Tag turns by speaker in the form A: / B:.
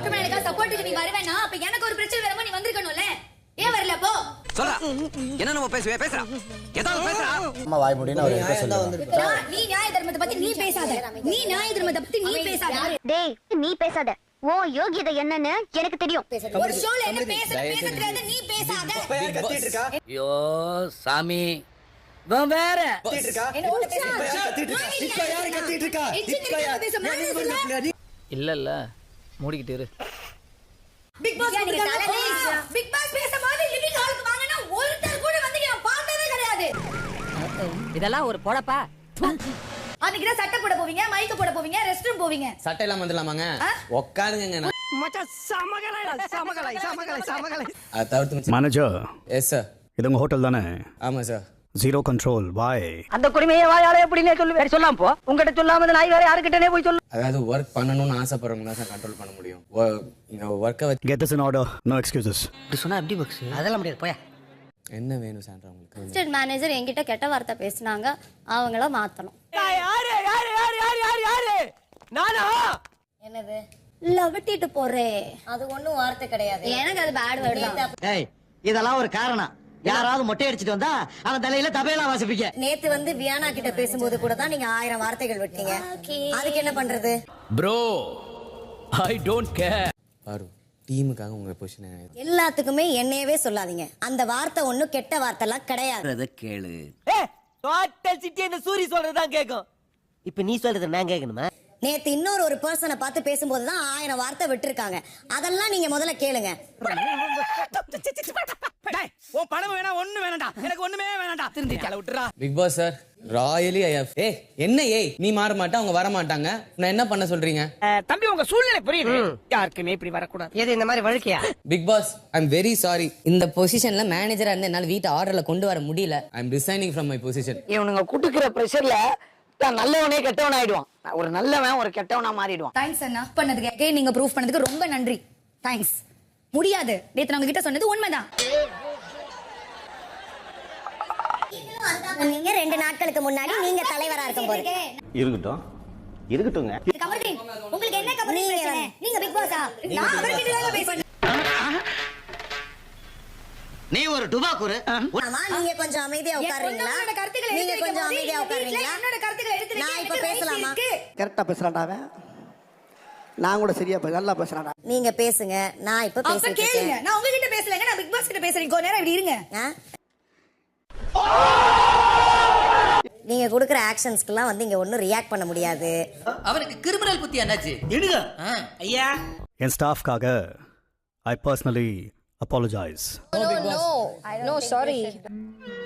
A: Matter சப்போர்ட்டுக்கு நீ வரவேனா அப்ப எனக்கு ஒரு பிரச்சனை வரமா நீ வந்திருக்கணும்ல ஏன் வரல போ
B: சொல்ல என்ன நம்ம பேசுறா ஏதாவது பேசுறா
C: அம்மா வாய் மூடினா ஒரு சொல்லுங்க.
A: நீ நியாய தர்மத்தை பத்தி நீ பேசாத நீ நியாய தர்மத்தை பத்தி நீ பேசாத
D: டேய் நீ பேசாத ஓ யோகியதை என்னன்னு எனக்கு தெரியும்
A: ஒரு ஷோல என்ன பேசுறது நீ பேசாத
C: கத்திட்டு இருக்கா
E: ஐயோ சாமி இவன் வேற
C: கத்திட்டு இருக்கா இப்ப யாரு கத்திட்டு இருக்கா இப்ப யாரு
E: இல்ல மூடிக்கிட்டு இரு.
A: பிக் பாஸ் பிக் பாஸ் பேசும்போது லிவிங் ஹாலுக்கு வாங்கனா ஒருத்தர் கூட வந்து நான் பார்த்ததே கிடையாது.
F: இதெல்லாம் ஒரு பொழப்பா?
A: அன்னைக்கு தான் சட்டை போட போவீங்க மைக் போட போவீங்க ரெஸ்ட் ரூம் போவீங்க
G: சட்டை எல்லாம் வந்துடலாமாங்க உட்காருங்க
F: மச்சான் சமகலை
G: அதை தவிர்த்து
H: மேனேஜர்
G: எஸ் சார்
H: இது உங்க ஹோட்டல் தானே?
G: ஆமா சார்
H: ஜீரோ கண்ட்ரோல் வாய்
F: அந்த குடிமையை வாயாலே எப்படினே சொல்லு வேற சொல்லாம போ உங்ககிட்ட சொல்லாம அந்த நாய் வேற யார்கிட்டனே போய் சொல்லு.
G: அதாவது ஒர்க் பண்ணணும்னு ஆசைப்படுறவங்க தான் சார் கண்ட்ரோல் பண்ண முடியும் ஒர்க்கை வச்சு
H: get this in order no excuses.
F: இப்படி சொன்னா எப்படி பாக்ஸ் அதெல்லாம் முடியாது போயா.
G: என்ன வேணும் சார் உங்களுக்கு
I: அசிஸ்டன்ட் மேனேஜர் என்கிட்ட கெட்ட வார்த்தை பேசினாங்க அவங்கள மாத்தணும்.
F: நானா
I: என்னது லவட்டிட்டு போறேன் அது ஒண்ணும் வார்த்தை கிடையாது எனக்கு அது பேட் வேர்ட் தான்.
F: ஏய் இதெல்லாம் ஒரு காரணம் யாராவது மொட்டை அடிச்சிட்டு வந்தா அவன் தலையில தபேலா வாசிப்பீங்க.
I: நேத்து வந்து வியானா கிட்ட பேசும்போது கூட தான் நீங்க 1000 வார்த்தைகள் விட்டீங்க அதுக்கு என்ன பண்றது
E: ப்ரோ ஐ டோன்ட் கேர்.
G: பாரு டீமுக்காக உங்க பொசிஷன்
I: எல்லாத்துக்குமே என்னையவே சொல்லாதீங்க அந்த வார்த்தை ஒண்ணும் கெட்ட வார்த்தை எல்லாம் கிடையாது.
E: கேளு
F: டோட்டல் சிட்டி இந்த சூரி சொல்றதுதான் கேக்கும். இப்ப நீ சொல்றது நான் கேட்கணுமா?
I: நேத்து இன்னொரு ஒரு பர்சனை பார்த்து பேசும்போது தான் 1000 வார்த்தை விட்டுருக்காங்க அதெல்லாம் நீங்க முதல்ல கேளுங்க.
F: உன் பணம் வேணா ஒண்ணு வேணாம்டா எனக்கு ஒண்ணுமே வேணாம்டா திருந்தி தலை விட்டுறா.
G: பிக் பாஸ் சார் ராயலி என்ன நீ மாற மாட்டா அவங்க வர மாட்டாங்க நான் என்ன பண்ண சொல்றீங்க?
F: தம்பி உங்க சூழ்நிலை புரியுது யாருக்குமே இப்படி வரக்கூடாது. எது இந்த மாதிரி வழுக்கையா?
G: Bigg Boss I am very sorry
J: இந்த பொசிஷன்ல மேனேஜரா இருந்து என்னால வீட்டு ஆர்டர்ல கொண்டு வர முடியல.
G: I am resigning from my position.
F: இவனுங்க குட்டுக்கிற பிரஷர்ல நல்லவனே கெட்டவன் ஆயிடுவான். ஒரு நல்லவன் ஒரு கெட்டவனா மாறிடுவான்.
A: தேங்க்ஸ் அண்ணா பண்ணதுக்கு நீங்க ப்ரூஃப் பண்ணதுக்கு ரொம்ப நன்றி. தேங்க்ஸ். முடியாது நேத்து நான் உங்ககிட்ட சொன்னது உண்மைதான்.
I: நீங்க 2 நாட்களுக்கு முன்னாடி நீங்க தலைவரா இருக்கும்போது
H: இருக்கட்டுங்க
A: கமர்தீன் உங்களுக்கு என்ன கமர்தீன் பிரச்சனை? நீங்க பிக் பாஸா? நான் அவர்கிட்ட தான் பேசுறேன்.
F: நீ ஒரு டுபாக்குரு.
I: ஆமா நீங்க கொஞ்சம் அமைதியா உட்காருங்களா? நீங்க கொஞ்சம் அமைதியா உட்காருங்களா?
A: என்னோட கருத்துக்களை எடுத்து
I: நான் இப்ப பேசலாமா?
F: கரெக்டா பேசுறான்டா அவன். நான் கூட சரியா நல்லா பேசுறான்டா.
I: நீங்க பேசுங்க நான் இப்ப
A: அப்ப
I: பேசிட்டு
A: கேளுங்க.
I: இருக்கேன்.
A: நான் உங்ககிட்ட பேசலங்க நான் பிக் பாஸ் கிட்ட பேசுறேன். கொஞ்ச நேரம் இப்படி இருங்க.
I: நீங்க கொடுக்குற ஆக்ஷன்ஸ்க்குலாம் வந்து இங்க ஒண்ணும் ரியாக்ட் பண்ண முடியாது.
E: அவனுக்கு கிரிமினல் புத்தி என்னாச்சு எடுங்க ஐயா.
H: என் ஸ்டாஃப்காக I personally apologize.
I: No, sorry.